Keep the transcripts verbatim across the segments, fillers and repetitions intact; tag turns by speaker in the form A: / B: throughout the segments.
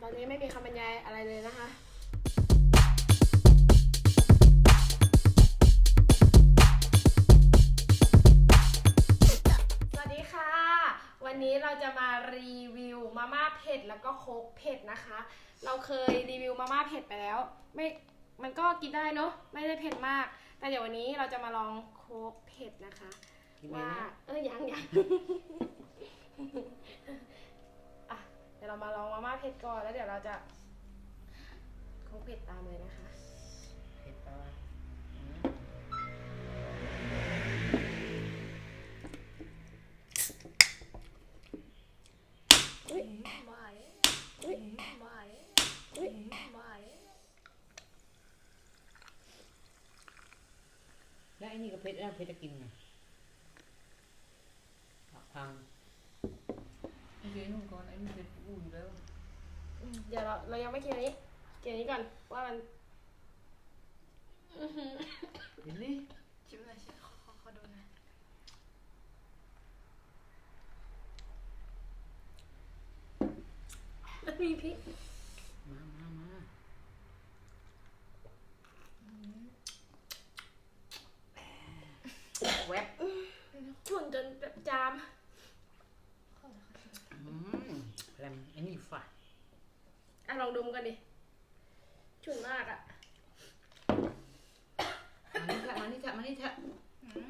A: อนนี้ไม่มีคำบรรยายอะไรเลยนะคะสวัสดีค่ะวันนี้เราจะมารีวิวมาม่าเผ็ดแล้วก็โค้กเผ็ดนะคะเราเคยรีวิวมาม่าเผ็ดไปแล้วไม่มันก็กินได้เนาะไม่ได้เผ็ดมากแต่เดี๋ยววันนี้เราจะมาลองโค้กเผ็ดนะคะว่าเออยังยัง อ่ะเดี๋ยวเรามาลองมาม่าเผ็ดก่อนแล้วเดี๋ยวเราจะโค้กเผ็ดตามเลยนะคะ
B: เผ็ดปะวะ
A: อุ้ย
C: ไม่
A: อุ้ย
C: ไม่
A: อุ้ย
C: ไม่
B: แล้วไอ้นี่ก็เผ็ดแล้วเผ็ดจะกินไงผักพังไอ้เจ๊นุ่มก่อนไอ้นี่เผ็ดอุ่นแล้ว
A: อืมเดี๋ยวเราเรายังไม่กินอันนี้กินอันนี้ก่อนว่ามันอื้อหือ
B: เห็นนี่
C: ชิมหน่อยชิมขอขอขอดูหน่อย
A: มันมีพริก
B: มามามาแวบ
A: ฉุนจนแบบจาม
C: ขอขอชิม
B: อืมแรมไอ้นี่ฝาด
A: อ่ะลองดมกันดิฉุนมากอ่ะ
B: มานี่เถอะมานี่เถอะมานี่เถอะ
C: อืม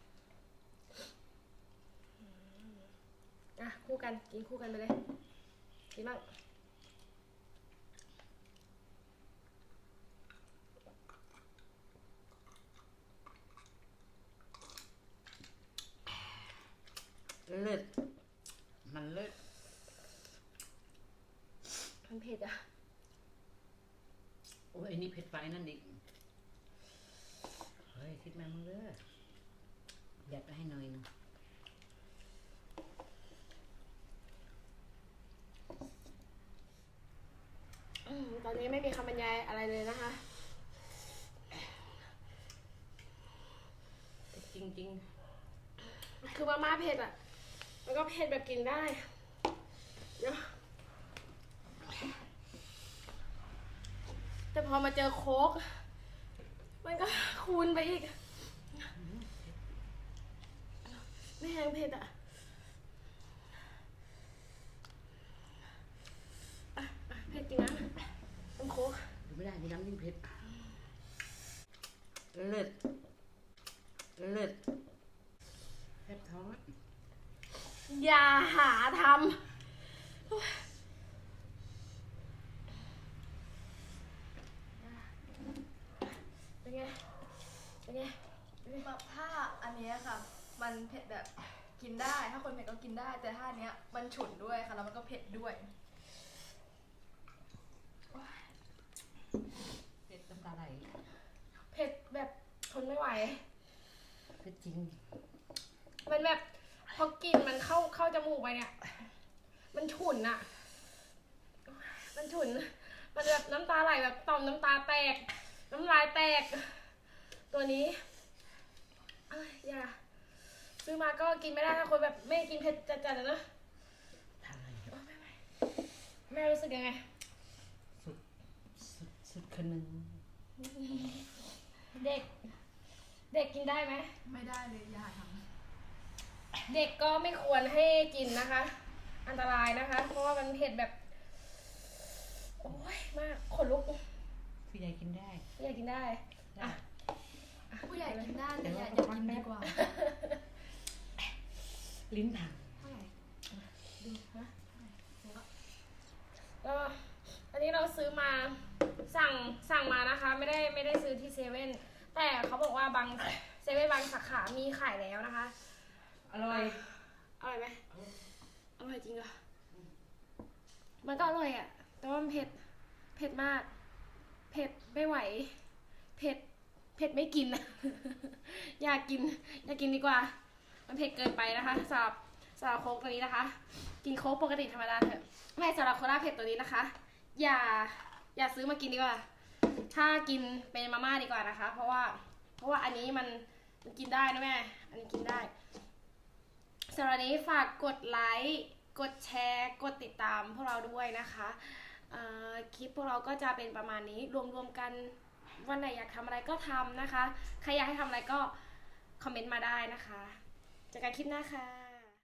A: อ่ะคู่กันกินคู่กันไปเลยกินบ้าง
B: เลิศมันเลิศ
A: มันเผ็ดอ่ะ
B: โอ้ยไอ้นี่เผ็ดไปนั่นดิเฮ้ยทิดมามึงเด้อยัดไปให้หน่อยนึง
A: อืมตอนนี้ไม่มีคำบรรยายอะไรเลยนะคะ
B: จริงจริง
A: คือมาม่าเผ็ดอ่ะมันก็เผ็ดแบบกินได้เดี๋ยวแต่พอมาเจอโค้กมันก็คูณไปอีกไม่แห้งเผ็ดอ่ะอ่ะอ่ะเผ็ดจริงนะน้ำโค้ก
B: ๆดูไม่ได้มีน้ำยิ่งเผ็ดเลิศเลิศแทบท้องอะ
A: อย่าหาทำเป็นไงเป็นไง
C: แบบถ้าอันเนี้ยค่ะ มันเผ็ดแบบกินได้ ถ้าคนเผ็ดก็กินได้ แต่ถ้าอันเนี้ยมันฉุนด้วยค่ะ แล้วมันก็เผ็ดด้วย
B: เผ็ดน้ำตาไหล
A: เผ็ดแบบทนไม่ไหว
B: เผ็ดจริง
A: มันแบบพอกินมันเข้าเข้าจมูกไปเนี่ย มันฉุนอะมันฉุน มันแบบน้ำตาไหลแบบต่อมน้ำตาแตก น้ำลายแตก ตัวนี้เอ้ยอย่าซื้อมาก็กินไม่ได้ถ้าคนแบบไม่กินเผ็ดจัดๆนะเนอะ
B: ทำอะไร
A: โอ๊ยไม่ไหวแม่รู้สึกยังไง
B: สุดสุดสุดคนหนึ่ง
A: เด็ก เด็กกินได้ไหม
C: ไม่ได้เลยอย่าท
A: เด็กก็ไม่ควรให้กินนะคะ อันตรายนะคะ เพราะว่ามันเผ็ดแบบ โอ้ยมากขนลุก
B: ผู้ใหญ่กินได้
A: อยากกินได้
B: ได้
C: ำผู้ใหญ่กินได้แต่อย่า
B: เดี๋
C: อย่า
B: ยว
C: กินดีกว่า
B: ลิ้นพัง
C: เท่าไหร่
A: ดูฮะก็อันนี้เราซื้อมาสั่งสั่งมานะคะ ไม่ได้ไม่ได้ซื้อที่เซเว่นแต่เขาบอกว่าบางเซเว่นบางสาขามีขายแล้วนะคะ
B: อร่อย
A: อร่อยไหมอร่อยจริงเหรอมันก็อร่อยอ่ะแต่ว่ามันเผ็ดเผ็ดมากเผ็ดไม่ไหวเผ็ดเผ็ดไม่กินนะ อยากกินอยากกินดีกว่ามันเผ็ดเกินไปนะคะสำหรับสำหรับโค้กตัวนี้นะคะ กินโค้กปกติธรรมดาเถอะไม่สำหรับโคลาเผ็ดตัวนี้นะคะ อย่าอย่าซื้อมากินดีกว่า ถ้ากินเป็นมาม่าดีกว่านะคะ เพราะว่าเพราะว่าอันนี้มันมันกินได้นะแม่อันนี้กินได้สำหรับนี้ฝากกดไลค์กดแชร์กดติดตามพวกเราด้วยนะคะเอ่อคลิปพวกเราก็จะเป็นประมาณนี้รวมๆกันวันไหนอยากทำอะไรก็ทำนะคะใครอยากให้ทำอะไรก็คอมเมนต์มาได้นะคะเจอกันคลิปหน้าค่ะ